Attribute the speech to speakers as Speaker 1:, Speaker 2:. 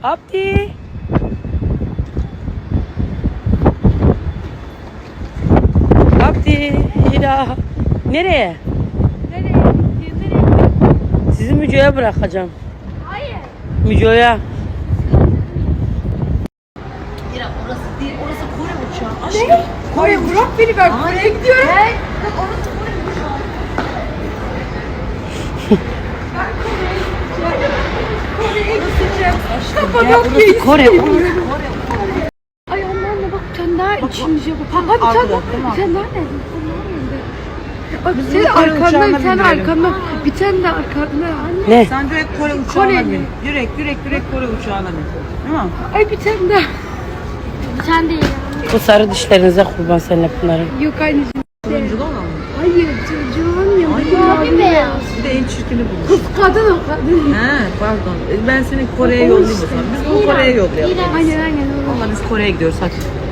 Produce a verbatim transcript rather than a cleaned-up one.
Speaker 1: Abdi. Abdi. Hira. Nereye?
Speaker 2: Nereye? Nereye?
Speaker 1: Sizi Müco'ya bırakacağım.
Speaker 2: Hayır.
Speaker 1: Müco'ya.
Speaker 3: Hira orası değil, orası Kore uçağı. Aşkım.
Speaker 2: Kore bırak beni ben Kore'ye gidiyorum.
Speaker 3: Hey, bak orası Kore uçağı.
Speaker 2: Kore'ye gideceğim.
Speaker 3: Gel, orası Kore, orası Kore.
Speaker 2: Ay Allah'ım bak bir tane daha içince bak.
Speaker 3: tam
Speaker 2: Ha bir tane
Speaker 3: arkada,
Speaker 2: daha.
Speaker 3: değil mi?
Speaker 2: Bir tane daha ne? Bak
Speaker 3: Biz
Speaker 2: senin
Speaker 3: bunu Kore
Speaker 2: arkanda
Speaker 3: uçağına
Speaker 2: bir tane
Speaker 3: bindirelim.
Speaker 2: arkanda. Bir tane de arkanda. Anne.
Speaker 1: Ne?
Speaker 3: Sen direkt Kore uçağına
Speaker 2: Kore.
Speaker 3: bin. Direkt, direkt, direkt Kore uçağına bin. Değil mi?
Speaker 2: Ay bir tane daha. Bir tane değil.
Speaker 1: Bu sarı dişlerinize kurban seninle bunların.
Speaker 2: Yok anneciğim.
Speaker 3: Turunculu olan mı?
Speaker 2: Hayır çocuğum ya.
Speaker 3: Ay,
Speaker 2: Mavi beyaz.
Speaker 3: Bir de en çirkini bulmuş.
Speaker 2: Kız kadın o kadın.
Speaker 3: He, pardon. Ben seni Kore'ye yollayayım o zaman. Biz bunu Kore'ye yollayalım.
Speaker 2: Aynen aynen.
Speaker 3: Valla biz Kore'ye gidiyoruz hadi.